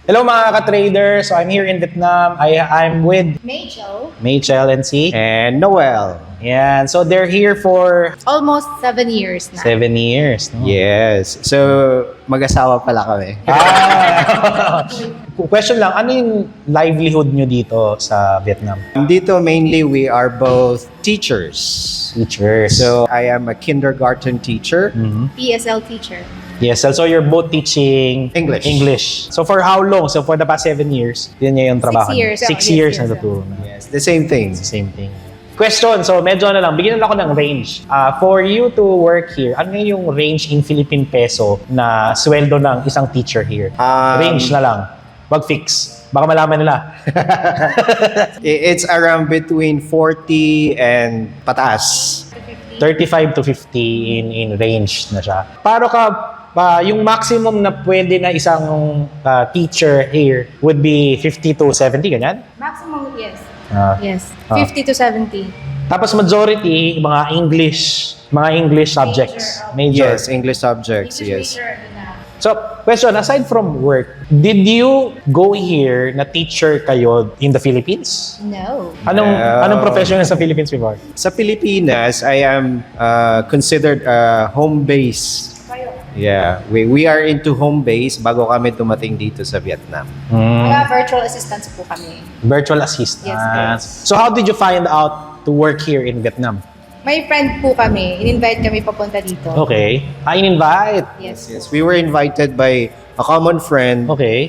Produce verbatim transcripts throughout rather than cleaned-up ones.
Hello mga ka-trader. So I'm here in Vietnam. I, I'm with Major. Machel and C. And Noel. Yan. So they're here for Almost seven years na. seven years. No? Yes. So, mag-asawa pala kami. Ah. Question lang, ano yung livelihood nyo dito sa Vietnam? Dito, mainly, we are both teachers. Teachers. So, I am a kindergarten teacher. Mhm. P S L teacher. Yes, so you're both teaching English. English. So for how long? So for the past seven years, yun yung trabaho. niyo? years. Six Oh, yes, years yes, na yes. tuturo na. Yes, the same thing. It's the same thing. Question, so medyo ano lang, bigyan na ako ng range. Uh, for you to work here, ano yung range in Philippine peso na sweldo ng isang teacher here? Um, range na lang. Wag fix. Baka malaman nila. I- It's around between forty and pataas. thirty-five to fifty in in range na siya. Para ka pa yung maximum na pwede na isang uh, teacher here would be fifty to seventy, ganyan? Maximum, yes. Ah. Yes. Ah. fifty to seventy. Tapos majority, mga English, mga English subjects. Major. Yes, English subjects, yes. So, question, aside from work, did you go here na teacher kayo in the Philippines? No. Anong No. anong profession sa Philippines before? Sa Pilipinas, I am uh, considered a home base. Yeah, we we are into home base bago kami dumating dito sa Vietnam. Hmm. Mga virtual assistants po kami. Virtual assistants. Yes, So, how did you find out to work here in Vietnam? May friend po kami. In-invite kami papunta dito. Okay. I invite. Yes. Yes, we were invited by a common friend Okay.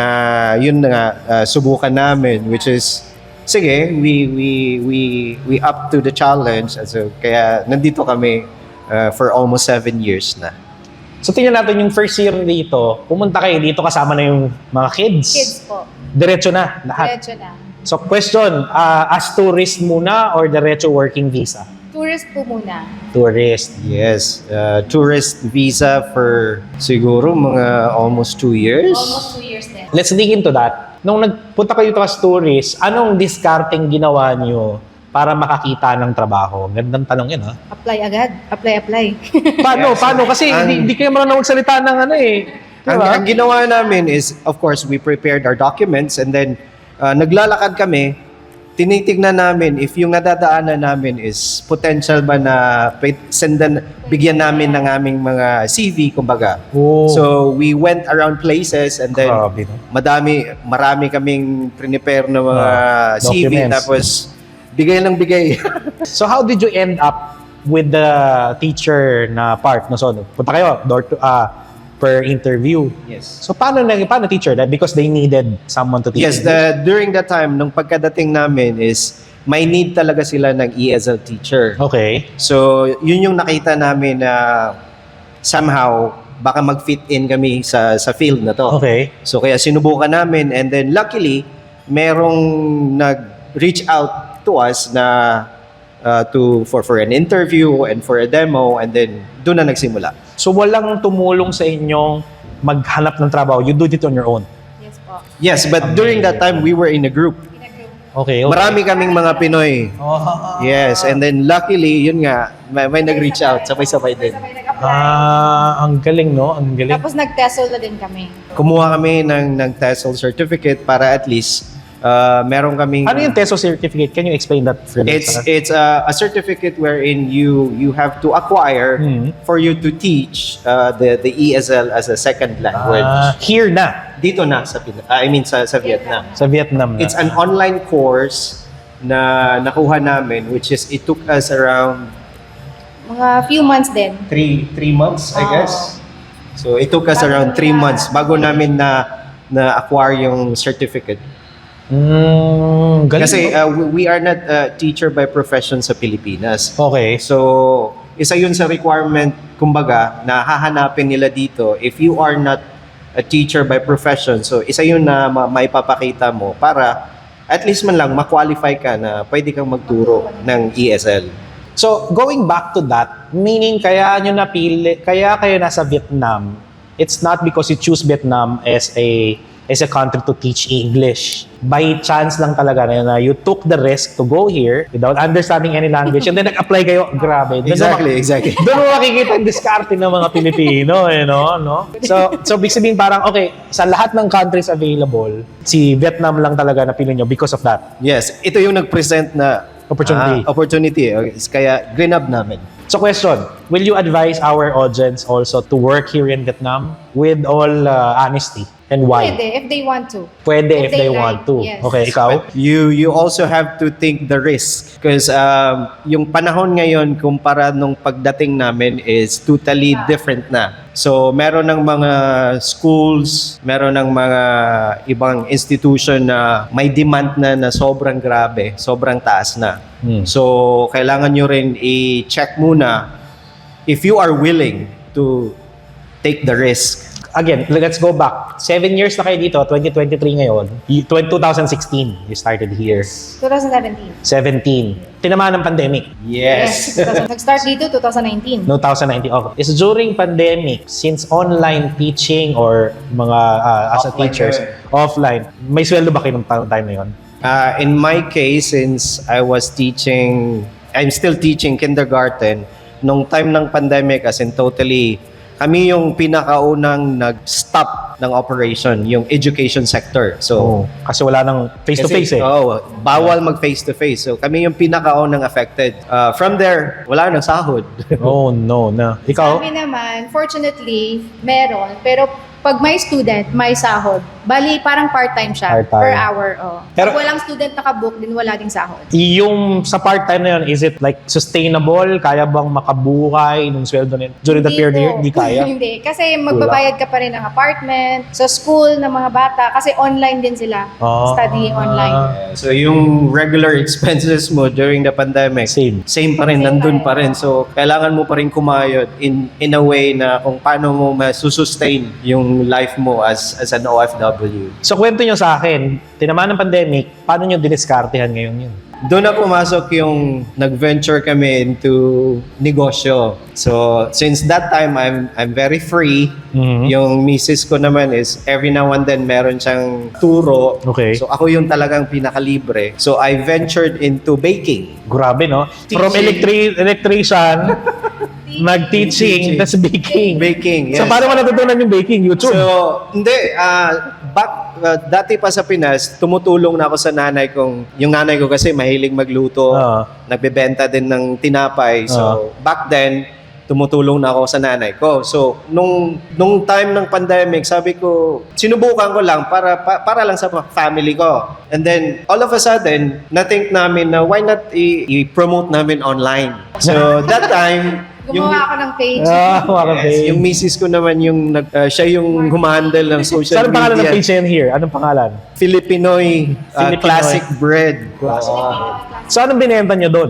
na yun na nga uh, subukan namin, which is sige, we we we we up to the challenge. So kaya nandito kami uh, for almost seven years na. So, tingnan natin yung first year dito. Pumunta kayo dito kasama na yung mga kids. Kids po. Diretso na, lahat. Diretso na. So, question, uh, as tourist muna or diretso working visa? Tourist po muna. Tourist. Yes, uh, tourist visa for siguro mga almost two years. Almost two years din. Let's dig into that. Nung nagpunta kayo dito as tourist, anong discarding ginawa nyo para makakita ng trabaho? Gandang tanong yun, ha? Apply agad. Apply, apply. Paano? Yes. Paano? Kasi Ang- hindi, hindi kayo marunong magsalita ng ano eh. Ang, Diba? ang ginawa namin is, of course, we prepared our documents and then uh, naglalakad kami, tinitignan namin if yung nadadaanan namin is potential ba na pe- sendan, bigyan namin ng aming mga C V, kumbaga. Oh. So, we went around places and then Grabe, no? madami, marami kaming prepare na mga Ah, C V, documents. tapos bigay lang bigay. So how did you end up with the teacher na part? No, so punta kayo door to, ah, per interview. Yes. So paano na paano teacher that because they needed someone to teach. Yes, English? the, during that time, nung pagkadating namin is may need talaga sila ng E S L teacher. Okay. So, yun yung nakita namin na somehow baka mag-fit in kami sa sa field na to. Okay. So, kaya sinubukan namin and then luckily, merong nag-reach out to us na uh, to for for an interview and for a demo and then doon na nagsimula. So walang tumulong sa inyong maghanap ng trabaho. You do it on your own. Yes po. Yes, but during that time, we were in a group. In a group. Okay. okay. Marami kaming mga Pinoy. Oh. Yes, and then luckily, yun nga, may, may nag-reach out, sabay-sabay din. Sabay nag-apply. Ah, ang galing, no? Ang galing. Tapos nag-TESOL na din kami. Kumuha kami ng, ng TESOL certificate para at least uh, meron kaming... Ano yung TESOL certificate? Can you explain that further? It's it's a, a certificate wherein you you have to acquire Mhm. for you to teach uh, the the E S L as a second language. Ah, here na. Dito na sa Pin- ah, I mean sa sa Vietnam. Sa Vietnam na. It's an online course na nakuha namin, which is it took us around Mga few months din. three three months, I Oo. guess. So it took us Bago around three na- months bago namin na na acquire yung certificate. Mm, galing. Kasi no? uh, we we are not a teacher by profession sa Pilipinas. okay. So isa yun sa requirement, kumbaga, na hahanapin nila dito if you are not a teacher by profession. So isa yun na ma- maipapakita mo para at least man lang ma-qualify ka na pwede kang magturo ng E S L. So, going back to that, meaning kaya nyo napili, kaya kayo nasa Vietnam, it's not because you choose Vietnam as a is a country to teach English. By chance lang talaga na, na you took the risk to go here without understanding any language and then nag-apply kayo, grabe. Doon Exactly, mo- exactly. Doon mo makikita ang diskarte ng mga Pilipino, eh, no? no? So, so big sabihin parang, okay, sa lahat ng countries available, si Vietnam lang talaga na pili nyo because of that. Yes, ito yung nag-present na Opportunity. ah, opportunity. Okay, kaya grinab namin. So question, will you advise our audience also to work here in Vietnam with all uh, honesty? And why? Pwede, if they want to. Pwede if, If they, they want like, to. yes. Okay, ikaw? But you you also have to take the risk because um, yung panahon ngayon kumpara nung pagdating namin is totally different na. So meron ng mga schools, meron ng mga ibang institution na may demand na na sobrang grabe, sobrang taas na. Hmm. So kailangan nyo rin i-check muna if you are willing to take the risk. Again, let's go back. Seven years na kayo dito, twenty twenty-three ngayon. You- twenty sixteen, you started here. twenty seventeen. seventeen. Tinamaan ng pandemic. Yes. Nag-start dito twenty nineteen. No, twenty nineteen. Okay. Is during pandemic, since online teaching or mga uh, as a Offline teachers, yun. offline, may sweldo ba kayo ng ta- time na yun? Uh, in my case, since I was teaching, I'm still teaching kindergarten, nung time ng pandemic, as in totally, kami yung pinakaunang nag-stop ng operation, yung education sector. So, Oh, kasi wala nang face-to-face kasi, eh. Oo, bawal mag face-to-face. So, kami yung pinakaunang affected. Uh, from there, wala nang sahod. Oh, no, na. Sa Ikaw? amin naman, fortunately, meron. Pero pag may student, may sahod. Bali, parang part-time siya. Part-time. Per hour, oh. Pero- Pag walang student nakabook, din wala ding sahod. Yung sa part-time na yun, is it like sustainable? Kaya bang makabuhay nung sweldo na yun? During the Hindi period po. year, hindi kaya? Hindi. Kasi magbabayad ka pa rin ng apartment, sa school ng mga bata. Kasi online din sila. Ah. Studying online. So, yung regular expenses mo during the pandemic, Same. same pa rin, Same nandun pa pa rin. rin. So, kailangan mo pa rin kumayod in in a way na kung paano mo masusustain yung life mo as as an O F W. So, kwento nyo sa akin, tinamaan ng pandemic, paano nyo diniskartehan ngayon yun? Doon na pumasok yung nag-venture kami into negosyo. So, since that time, I'm I'm very free. Mhm. Yung misis ko naman is every now and then meron siyang turo. Okay. So, ako yung talagang pinakalibre. So, I ventured into baking. Grabe, no? From Teaching. electri- electrician, nag-teaching, Teaching. tas baking. Baking, yes. So, paano mo natutunan yung baking? YouTube? So, hindi. ah back, ah, dati pa sa Pinas, tumutulong na ako sa nanay kong, yung nanay ko kasi mahilig magluto. Ah. Nagbebenta din ng tinapay. So, Ah. back then, tumutulong na ako sa nanay ko. So, nung nung time ng pandemic, sabi ko, sinubukan ko lang para pa- para lang sa family ko. And then, all of a sudden, na-think namin na why not i- i-promote namin online. So, that time, Gumawa ako ng page. Ah, mga yes, babe. yung misis ko naman yung nag, ah, siya yung humahandle ng social Saan ang pangalan ng media. page na yan here? Anong pangalan? Filipinoy, ah, Filipinoy. classic bread. Classic. Oo. So, anong binenta nyo doon?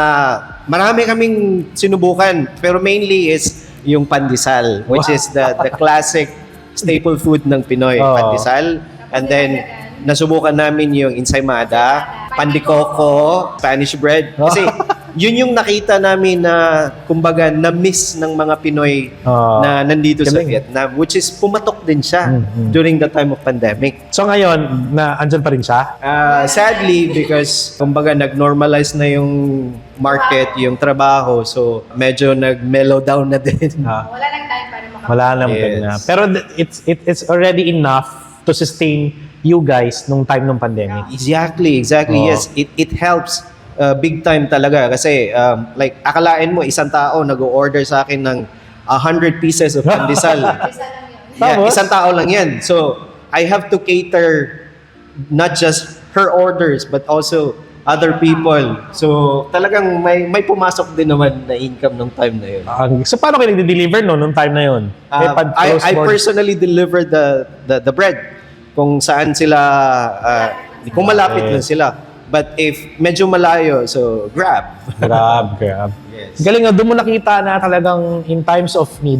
Ah, marami kaming sinubukan, pero mainly is yung pandesal, which is the the classic staple food ng Pinoy, Oo. pandesal. And then nasubukan namin yung ensaymada, pandikoko, Spanish bread. Kasi yun yung nakita namin na kumbaga na-miss ng mga Pinoy Oo. na nandito sa Galing. Vietnam, which is pumatok din siya Mhm. during the time of pandemic. So, ngayon, na andyan pa rin siya? Ah, sadly, because kumbaga nag-normalize na yung market, yung trabaho, so medyo nag-mellow down na din. Ah, Wala lang time para makapag- wala naman Yes. na. Pero th- it's, it, it's already enough to sustain you guys nung time ng pandemic. Exactly, exactly. Oo. Yes, it it helps uh, big time talaga kasi um, like akalain mo isang tao nag-order sa akin ng one hundred pieces of pandesal. Isa lang yun. Yeah, Tapos? isang tao lang 'yan. So, I have to cater not just her orders but also other people. So, talagang may may pumasok din naman na income nung time na 'yun. Ang- so, paano kayo nag-deliver no, nung time na yun? Uh, Eh, pag I, close I board- personally deliver the, the the bread kung saan sila uh, kung malapit Okay. lang sila. But if medyo malayo, so grab. Grab, grab. Yes. Galing nga, doon mo nakita na talagang in times of need,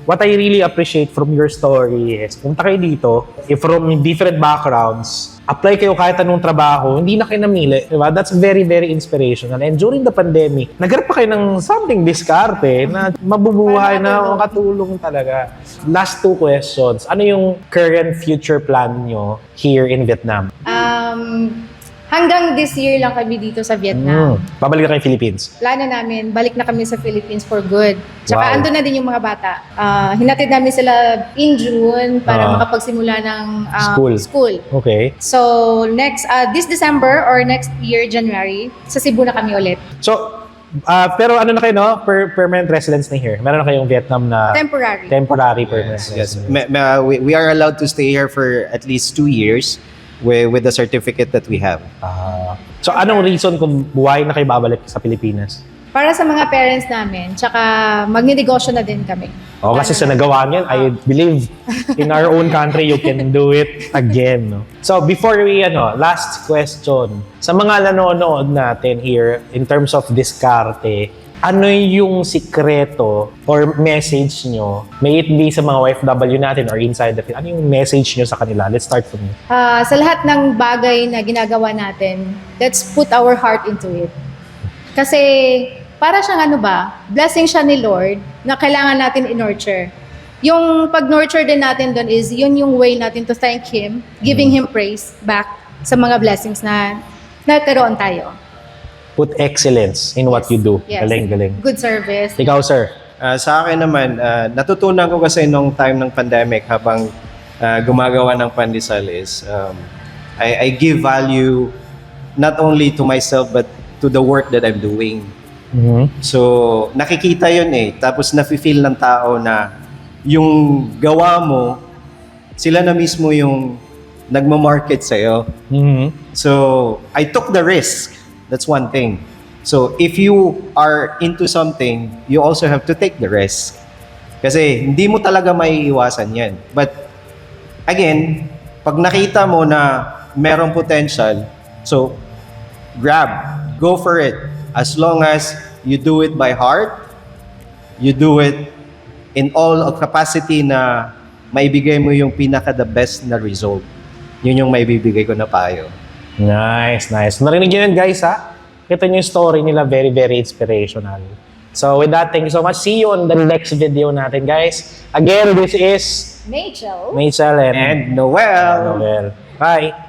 what I really appreciate from your story is, punta kayo dito, if from different backgrounds, apply kayo kahit anong trabaho, hindi na kayo namili. Diba? That's very, very inspirational. And during the pandemic, nagharap pa kayo ng something diskarte na mabubuhay na makatulong talaga. Last two questions. Ano yung current future plan nyo here in Vietnam? Um, hanggang this year lang kami dito sa Vietnam. Mm. Babalik na kayo Philippines. Plano namin, balik na kami sa Philippines for good. Tsaka Wow. ando na din yung mga bata. Ah, hinatid namin sila in June para Ah. makapagsimula ng ah, School. school. Okay. So, next, ah, this December or next year, January, sa Cebu na kami ulit. So, ah, pero ano na kayo, no? Per- permanent residence na here. Meron na kayong Vietnam na Temporary. temporary permanent Yes, yes. residence. Ma- ma- we, we are allowed to stay here for at least two years with, with the certificate that we have. Ah. So, anong reason kung why na kayo babalik sa Pilipinas? Para sa mga parents namin, tsaka magninegosyo na din kami. Oh, kasi sa nagawa niyan, I believe in our own country, you can do it again. No? So, before we, ano, last question. Sa mga nanonood natin here, in terms of diskarte, ano yung sikreto or message nyo? May it be sa mga O F W natin or inside the field. Ano yung message nyo sa kanila? Let's start from you. Ah, sa lahat ng bagay na ginagawa natin, let's put our heart into it. Kasi para siyang ano ba, blessing siya ni Lord na kailangan natin in-nurture. Yung pag-nurture din natin doon is yun yung way natin to thank Him, giving Him praise back sa mga blessings na nagkaroon tayo. Put excellence in what you do. Yes. Galing, galing. Good service. Ikaw, sir. Uh, sa akin naman, uh, natutunan ko kasi nung time ng pandemic habang uh, gumagawa ng pandesal is um, I, I give value not only to myself but to the work that I'm doing. Mhm. So, nakikita yun eh. Tapos nafe-feel ng tao na yung gawa mo, sila na mismo yung nagmamarket sa'yo. Mhm. So, I took the risk. That's one thing. So, if you are into something, you also have to take the risk. Kasi hindi mo talaga maiiwasan yan. But, again, pag nakita mo na merong potential, so, grab, go for it. As long as you do it by heart, you do it in all of capacity na maibigay mo yung pinaka the best na result. Yun yung maibibigay ko na payo. Nice, nice. Narinig nyo yun, guys, ha? Kita nyo yung story nila, very, very inspirational. So, with that, thank you so much. See you on the next video natin, guys. Again, this is Rachel. Rachel and, And Noel! Noel. Bye!